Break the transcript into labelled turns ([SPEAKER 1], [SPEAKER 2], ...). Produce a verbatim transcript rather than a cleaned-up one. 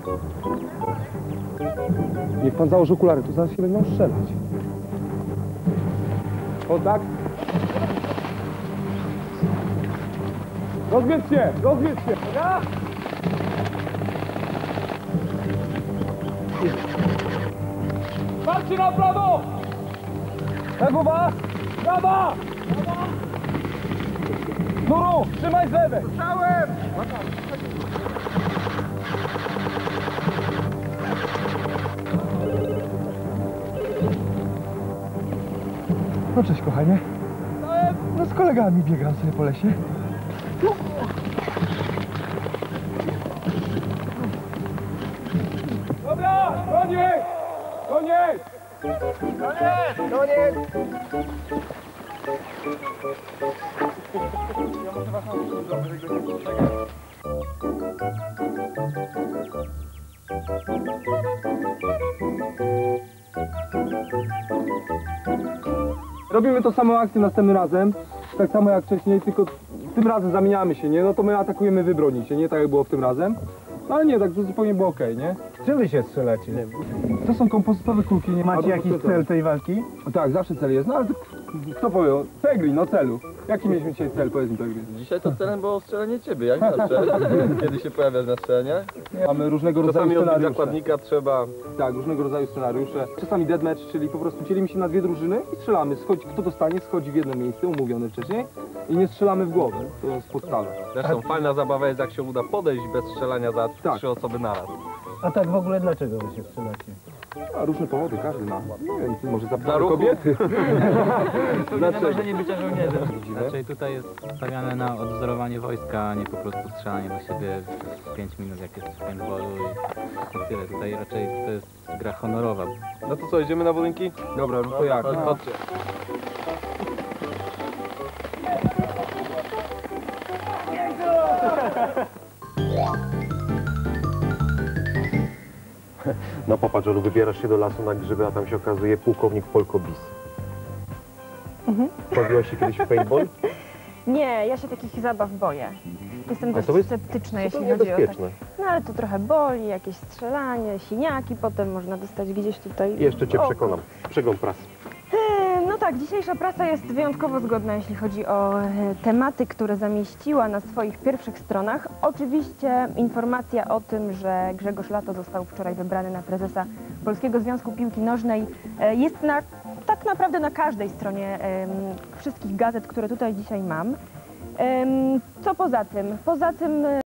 [SPEAKER 1] Niech pan założy okulary, tu zaraz się będą strzelać. Kontakt. Rozwiedź się, rozwiedź się. Ja? Patrzcie na prawo! Lewowa! Prawa! Nuru, trzymaj z lewej! Słyszałem! No cześć, kochanie. No z kolegami biegam sobie po lesie. Dobra, koniec! Koniec! Koniec! Koniec! Ja muszę was nauczyć, żeby tego nie poczekać. Robimy tą samą akcję następnym razem, tak samo jak wcześniej, tylko tym razem zamieniamy się, nie? No to my atakujemy, wy bronicie, nie? Tak jak było w tym razem. No ale nie, tak zupełnie było okej, nie?
[SPEAKER 2] Czym wy się strzelacie?
[SPEAKER 1] To są kompozytowe kulki, nie?
[SPEAKER 2] Macie jakiś cel tej walki?
[SPEAKER 1] Tak, zawsze cel jest, no ale to, kto powie? Pegli, no celu. Jaki mieliśmy dzisiaj cel, powiedz mi Pegli?
[SPEAKER 3] Dzisiaj to celem było strzelenie ciebie, jak zawsze. Kiedy się pojawiasz na strzelaniach.
[SPEAKER 1] Mamy różnego rodzaju
[SPEAKER 3] Czasami odbić
[SPEAKER 1] scenariusze.
[SPEAKER 3] zakładnika trzeba.
[SPEAKER 1] Tak, różnego rodzaju scenariusze. Czasami deathmatch, czyli po prostu dzielimy się na dwie drużyny i strzelamy. Schodzi, kto dostanie, schodzi w jedno miejsce, umówione wcześniej. I nie strzelamy w głowę, to jest podstawa.
[SPEAKER 3] Zresztą fajna zabawa jest, jak się uda podejść bez strzelania za
[SPEAKER 1] Tak.
[SPEAKER 3] trzy osoby naraz.
[SPEAKER 2] A tak w ogóle dlaczego wy się strzelacie?
[SPEAKER 1] A różne powody, każdy ma. Nie wiem, może
[SPEAKER 3] Dla
[SPEAKER 1] zapytamy
[SPEAKER 3] ruchu.
[SPEAKER 1] kobiety.
[SPEAKER 4] Dlaczego? Marzenie bycia żołnierzem. Raczej tutaj jest stawiane na odwzorowanie wojska, a nie po prostu strzelanie do siebie w pięć minut, jak jest w paintballu i tyle. Tutaj raczej to jest gra honorowa.
[SPEAKER 3] No to co, idziemy na budynki?
[SPEAKER 1] Dobra, no to jak?
[SPEAKER 3] Chodź,
[SPEAKER 1] No.
[SPEAKER 3] chodźcie.
[SPEAKER 5] No popatrz, Olu, wybierasz się do lasu na grzyby, a tam się okazuje pułkownik Polko Bis.
[SPEAKER 6] Mhm.
[SPEAKER 5] Bawiłaś się kiedyś w paintball?
[SPEAKER 6] Nie, ja się takich zabaw boję. Jestem
[SPEAKER 5] Ale
[SPEAKER 6] dość
[SPEAKER 5] to jest
[SPEAKER 6] sceptyczna, jeśli
[SPEAKER 5] zupełnie
[SPEAKER 6] chodzi o tak.
[SPEAKER 5] bezpieczne.
[SPEAKER 6] No ale to trochę boli, jakieś strzelanie, siniaki, potem można dostać gdzieś tutaj.
[SPEAKER 5] Jeszcze cię
[SPEAKER 6] o.
[SPEAKER 5] przekonam. Przegląd prasy.
[SPEAKER 6] E, No tak, dzisiejsza prasa jest wyjątkowo zgodna, jeśli chodzi o e, tematy, które zamieściła na swoich pierwszych stronach. Oczywiście informacja o tym, że Grzegorz Lato został wczoraj wybrany na prezesa Polskiego Związku Piłki Nożnej e, jest na, tak naprawdę na każdej stronie em, wszystkich gazet, które tutaj dzisiaj mam. Em, Co poza tym? Poza tym